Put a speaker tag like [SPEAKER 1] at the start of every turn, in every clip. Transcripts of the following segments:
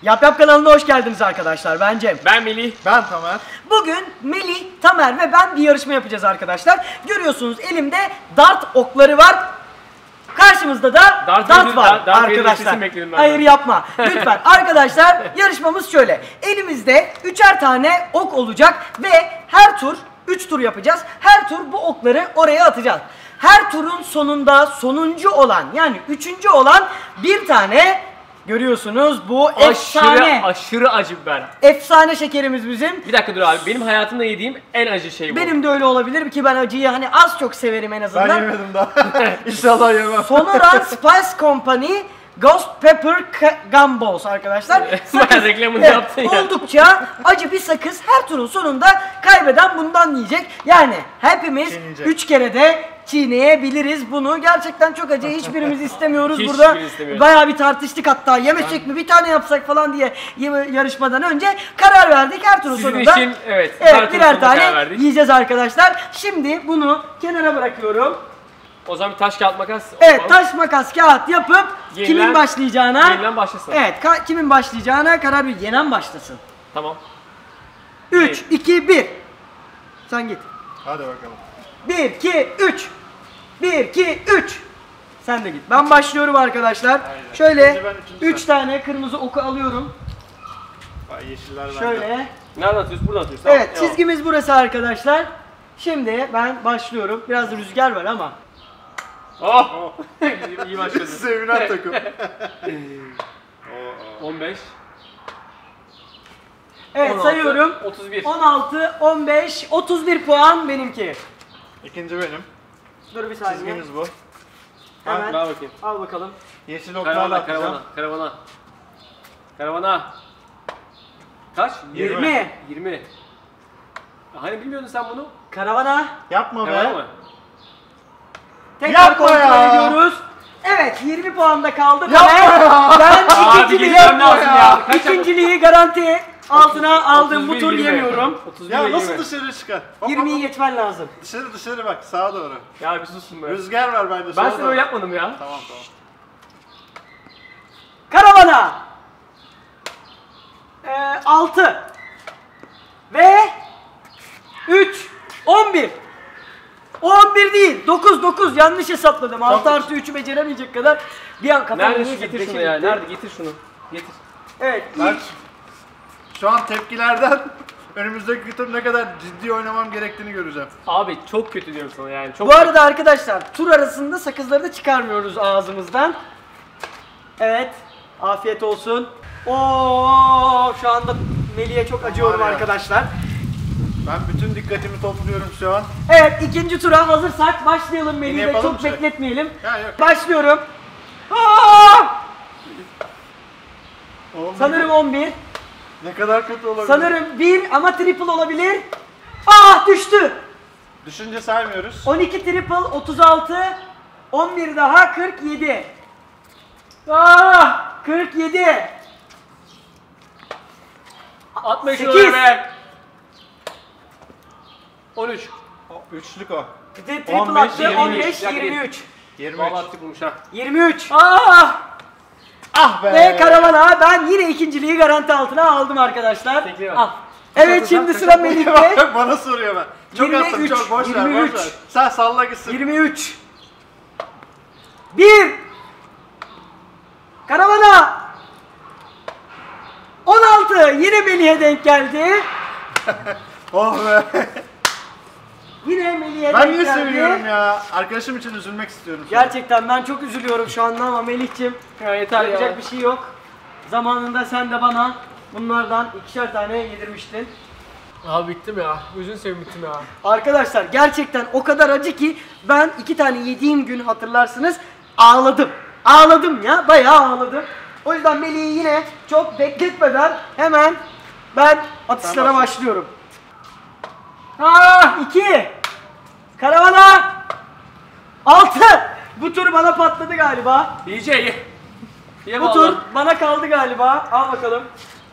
[SPEAKER 1] Yap Yap kanalına hoş geldiniz arkadaşlar. Ben Cem.
[SPEAKER 2] Ben Melih.
[SPEAKER 3] Ben Tamer.
[SPEAKER 1] Bugün Melih, Tamer ve ben bir yarışma yapacağız arkadaşlar. Görüyorsunuz elimde dart okları var. Karşımızda da dart var arkadaşlar. Hayır yapma. Lütfen arkadaşlar, yarışmamız şöyle. Elimizde 3'er tane ok olacak ve her tur 3 tur yapacağız. Her tur bu okları oraya atacağız. Her turun sonunda sonuncu olan, yani 3. olan bir tane, görüyorsunuz bu efsane.
[SPEAKER 2] Aşırı acı biber.
[SPEAKER 1] Efsane şekerimiz bizim.
[SPEAKER 2] Bir dakika dur abi, benim hayatımda yediğim en acı şey bu.
[SPEAKER 1] Benim de öyle olabilir ki ben acıyı hani az çok severim en azından.
[SPEAKER 3] Ben yemedim daha. İnşallah yemem.
[SPEAKER 1] Sonoran Spice Company Ghost Pepper Gumballs arkadaşlar.
[SPEAKER 2] Sakız reklamını yaptın ya.
[SPEAKER 1] Oldukça acı bir sakız. Her turun sonunda kaybeden bundan yiyecek. Yani hepimiz 3 kere de çiğneyebiliriz bunu. Gerçekten çok acı. Hiçbirimiz istemiyoruz burada. Bayağı bir tartıştık hatta. Yemesek mi, bir tane yapsak falan diye yarışmadan önce karar verdik. Her turun sonunda
[SPEAKER 2] için, evet
[SPEAKER 1] birer tane yiyeceğiz arkadaşlar. Şimdi bunu kenara bırakıyorum.
[SPEAKER 2] O zaman bir taş kağıt makas.
[SPEAKER 1] Evet, taş makas kağıt yapıp kimin başlayacağına.
[SPEAKER 2] Yenilen başlasın.
[SPEAKER 1] Evet, kimin başlayacağına karar ver. Yenen başlasın.
[SPEAKER 2] Tamam.
[SPEAKER 1] 3, 2, 1. Sen git.
[SPEAKER 3] Hadi bakalım.
[SPEAKER 1] 1, 2, 3. 1, 2, 3. Sen de git. Ben başlıyorum arkadaşlar.
[SPEAKER 3] Aynen.
[SPEAKER 1] Şöyle
[SPEAKER 3] Ben
[SPEAKER 1] 3 tane kırmızı oku alıyorum.
[SPEAKER 3] Yeşiller bende.
[SPEAKER 1] Şöyle.
[SPEAKER 2] Nereden atıyorsun? Buradan atıyorsun.
[SPEAKER 1] Evet,
[SPEAKER 2] Tamam.
[SPEAKER 1] çizgimiz burası arkadaşlar. Şimdi ben başlıyorum. Biraz rüzgar var ama.
[SPEAKER 2] Oh! İyi başladı.
[SPEAKER 3] Sevinen takım.
[SPEAKER 2] 15.
[SPEAKER 1] Evet,
[SPEAKER 2] 16,
[SPEAKER 1] sayıyorum.
[SPEAKER 2] 31.
[SPEAKER 1] 16, 15, 31 puan benimki.
[SPEAKER 3] İkinci benim.
[SPEAKER 1] Dur bir saniye.
[SPEAKER 3] Çizgimiz bu.
[SPEAKER 1] Hemen.
[SPEAKER 2] Ver bakayım.
[SPEAKER 1] Al bakalım.
[SPEAKER 3] Yeşil oklarla atacağım.
[SPEAKER 2] Karavana. Kaç?
[SPEAKER 1] 20.
[SPEAKER 2] 20. Hani bilmiyordun sen bunu?
[SPEAKER 1] Karavana.
[SPEAKER 3] Yapma
[SPEAKER 2] Karavana
[SPEAKER 3] be.
[SPEAKER 2] mı?
[SPEAKER 1] Tekrar
[SPEAKER 3] Yapma
[SPEAKER 1] kontrol
[SPEAKER 3] ya.
[SPEAKER 1] ediyoruz. Evet, 20 puanda kaldı.
[SPEAKER 3] Yapma ya.
[SPEAKER 1] Ben
[SPEAKER 2] Abi geçmem lazım ya. Kaç
[SPEAKER 1] ikinciliği garanti altına aldım. Bu
[SPEAKER 2] 31,
[SPEAKER 1] tur
[SPEAKER 2] 20.
[SPEAKER 1] yemiyorum.
[SPEAKER 2] 31,
[SPEAKER 3] Ya
[SPEAKER 2] 20.
[SPEAKER 3] nasıl dışarı çıkar? Hop,
[SPEAKER 1] 20'yi
[SPEAKER 3] hop,
[SPEAKER 1] geçmen lazım.
[SPEAKER 3] hop. Dışarı bak, sağa doğru.
[SPEAKER 2] Ya bir susun be.
[SPEAKER 3] Rüzgar var bende.
[SPEAKER 2] Ben
[SPEAKER 3] sola
[SPEAKER 2] sana
[SPEAKER 3] doğru.
[SPEAKER 2] öyle yapmadım ya.
[SPEAKER 3] Tamam.
[SPEAKER 1] Karavana. 6 ve 3 11. 11 değil. 9 yanlış hesapladım. 6 artı 3'ü beceremeyecek kadar bir an kafam
[SPEAKER 2] Nerede
[SPEAKER 1] neyse,
[SPEAKER 2] şu getir
[SPEAKER 1] beşe
[SPEAKER 2] şunu ya?
[SPEAKER 1] gitti.
[SPEAKER 2] Nerede? Getir şunu. Getir.
[SPEAKER 1] Evet,
[SPEAKER 3] Ben
[SPEAKER 1] ilk
[SPEAKER 3] şu an tepkilerden önümüzdeki tur ne kadar ciddi oynamam gerektiğini göreceğim.
[SPEAKER 2] Abi çok kötü diyorum sana yani. Çok
[SPEAKER 1] Bu arada arkadaşlar, tur arasında sakızları da çıkarmıyoruz ağzımızdan. Evet, afiyet olsun. Oo, şu anda Melih'e çok acıyorum
[SPEAKER 3] Var ya.
[SPEAKER 1] arkadaşlar.
[SPEAKER 3] Ben bütün dikkatimi topluyorum şu an.
[SPEAKER 1] Evet, ikinci tura hazırsak başlayalım Melih'le,
[SPEAKER 3] yapalım
[SPEAKER 1] çok
[SPEAKER 3] bir şey.
[SPEAKER 1] bekletmeyelim.
[SPEAKER 3] Ya yok.
[SPEAKER 1] Başlıyorum. Aa! Sanırım 11.
[SPEAKER 3] Ne kadar kötü olabilir.
[SPEAKER 1] Sanırım 1 ama triple olabilir. Ah, düştü.
[SPEAKER 3] Düşünce saymıyoruz.
[SPEAKER 1] 12 triple 36. 11 daha 47. Ah, 47.
[SPEAKER 2] atma şunu
[SPEAKER 1] 8.
[SPEAKER 2] be. 13.
[SPEAKER 3] Üçlük o.
[SPEAKER 1] Triple
[SPEAKER 3] 15,
[SPEAKER 1] attı. 15,
[SPEAKER 2] 23.
[SPEAKER 1] 23.
[SPEAKER 3] 23.
[SPEAKER 2] Vallahi attık bulmuş ha.
[SPEAKER 1] 23. Ah!
[SPEAKER 3] Ah be.
[SPEAKER 1] Ve karavana ben yine ikinciliği garanti altına aldım arkadaşlar.
[SPEAKER 2] Peki,
[SPEAKER 1] Al. Evet, şimdi sıra Melih'te.
[SPEAKER 3] Bana soruyor ben. Çok
[SPEAKER 1] 23,
[SPEAKER 3] attım, çok boş ver,
[SPEAKER 1] 23.
[SPEAKER 3] boş ver. Sen salla gitsin.
[SPEAKER 1] 23. 1. Karavana. 16. Yine Melih'e denk geldi.
[SPEAKER 3] Oh be.
[SPEAKER 1] Yine Melih'e
[SPEAKER 3] Ben
[SPEAKER 1] denk
[SPEAKER 3] niye
[SPEAKER 1] geldi.
[SPEAKER 3] seviniyorum ya? Arkadaşım için üzülmek istiyorum.
[SPEAKER 1] Gerçekten ben çok üzülüyorum şu anda ama Melih'cim,
[SPEAKER 2] Ya yeter
[SPEAKER 1] yapacak
[SPEAKER 2] ya.
[SPEAKER 1] bir şey yok. Zamanında sen de bana bunlardan 2'şer tane yedirmiştin.
[SPEAKER 2] Abi bittim ya. Gözünü seveyim bittim ya.
[SPEAKER 1] Arkadaşlar gerçekten o kadar acı ki ben 2 tane yediğim gün hatırlarsınız ağladım. Ağladım ya, bayağı ağladım. O yüzden Melih'i yine çok bekletmeden hemen ben atışlara başlıyorum. Ah, 2. Karavana. 6. Bu tur bana patladı galiba.
[SPEAKER 2] DJ ye. Ye
[SPEAKER 1] Bu tur bana kaldı galiba. Al bakalım.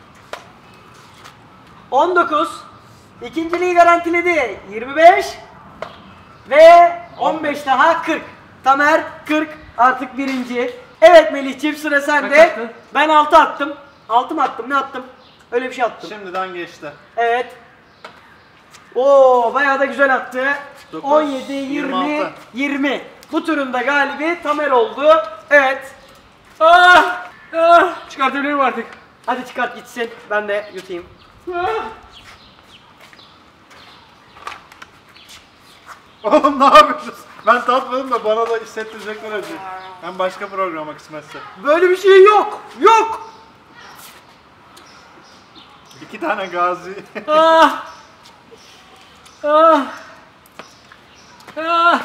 [SPEAKER 1] 19. İkinciliği garantiledi. 25. Ve 15 daha 40. Tamer 40 artık birinci. Evet Melih'ciğim, sıra sende.
[SPEAKER 2] Kaç attın?
[SPEAKER 1] Ben 6 attım. 6 mı attım? Ne attım? Öyle bir şey attım.
[SPEAKER 3] Şimdiden geçti.
[SPEAKER 1] Evet. Oo, bayağı da güzel attı.
[SPEAKER 3] 9,
[SPEAKER 1] 17, 20,
[SPEAKER 3] 26.
[SPEAKER 1] 20. Bu turun da galibi Tamer oldu. Evet.
[SPEAKER 2] Çıkartabilirim artık.
[SPEAKER 1] Hadi çıkart gitsin. Ben de yutayım.
[SPEAKER 3] Oğlum ne yapıyorsunuz? Ben tatmadım da bana da hissettirecekler acı. Ben başka programa kısmetse.
[SPEAKER 1] Böyle bir şey yok. Yok.
[SPEAKER 3] 2 tane gazi.
[SPEAKER 2] Ah. Ah. Ah.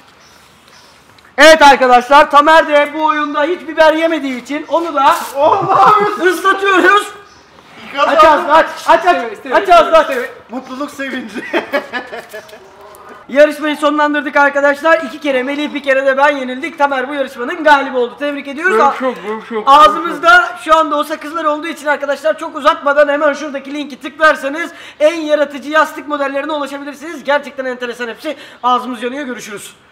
[SPEAKER 1] Evet arkadaşlar, Tamer de bu oyunda hiç biber yemediği için onu da
[SPEAKER 3] Oğlum ne yapıyorsun?
[SPEAKER 1] ıslatıyoruz.
[SPEAKER 3] Kazandım.
[SPEAKER 1] Aç ağzını aç. Aç aç ağzını aç.
[SPEAKER 3] Mutluluk sevinci.
[SPEAKER 1] Yarışmayı sonlandırdık arkadaşlar. 2 kere Melih, bir kere de ben yenildik. Tamer bu yarışmanın galibi oldu. Tebrik ediyoruz. Ağzımızda şu anda o sakızlar olduğu için arkadaşlar çok uzatmadan hemen şuradaki linki tıklarsanız en yaratıcı yastık modellerine ulaşabilirsiniz. Gerçekten enteresan hepsi. Ağzımız yanıyor. Görüşürüz.